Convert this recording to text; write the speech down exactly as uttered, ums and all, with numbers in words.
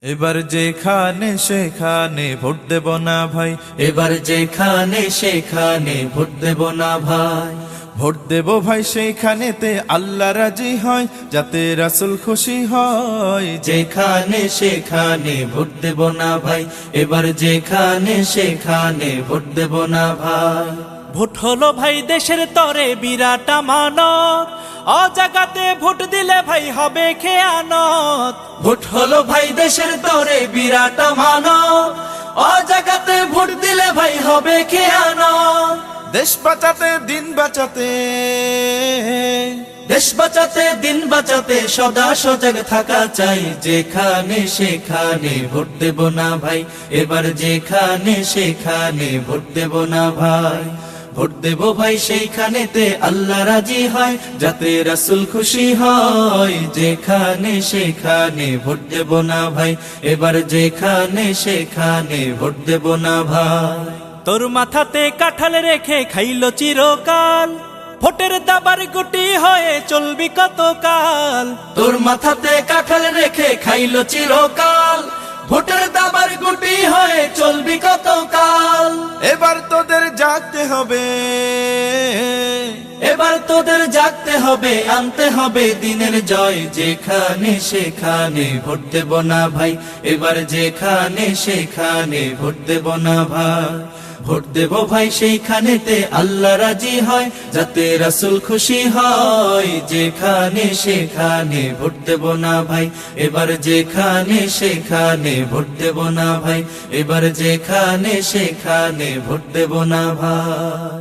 এবার যেখানে সেখানে ভোট দেব না ভাই, এবার যেখানে সেখানে ভোট দেব না ভাই। ভোট দেব ভাই সেইখানেতে আল্লাহ রাজি হয়, যাতে রাসূল খুশি হয়। যেখানে সেখানে ভোট দেব না ভাই, এবার যেখানে সেখানে ভোট দেব না ভাই। ভোট হলো ভাই দেশের তরে বিরাট আমানত, অজাগাতে ভোট দিলে ভাই হবে খেয়ানত। ভোট হলো ভাই দেশের তরে বিরাট আমানত, অজাগাতে ভোট দিলে ভাই হবে খেয়ানত। দেশ বাঁচাতে দিন বাঁচাতে, দেশ বাঁচাতে দিন বাঁচাতে সদা সজাগ থাকা চাই। যেখানে সেখানে ভোট দেব না ভাই, এবার যেখানে সেখানে ভোট দেব না ভাই। ভোট দেব ভাই সেইখানেতে আল্লাহ রাজি হয়, যাতে রাসূল খুশি হয়। যেখানে সেখানে ভোট দেব না ভাই, এবার যেখানে সেখানে ভোট দেব না ভাই। তোর মাথাতে কাঁঠাল রেখে খাইল চিরকাল, ভোটের দাবার গুটি হয়ে চলবি কতকাল। তোর মাথাতে কাঁঠাল রেখে খাইল চিরকাল, ভোটের দাবার গুটি হয়ে চলবি কতকাল। এবার তোদের জাগতে হবে, এবার তোদের জাগতে হবে, আনতে হবে দিনের জয়। যেখানে সেখানে ভোট দেব না ভাই, এবার যেখানে সেখানে ভোট দেব না ভাই। ভোট দেব ভাই সেইখানেতে আল্লাহ রাজি হয়, যাতে রাসূল খুশি হয়। যেখানে সেখানে ভোট দেব না ভাই, এবার যেখানে সেখানে ভোট দেব না ভাই। এবার যেখানে সেখানে ভোট দেব না ভাই।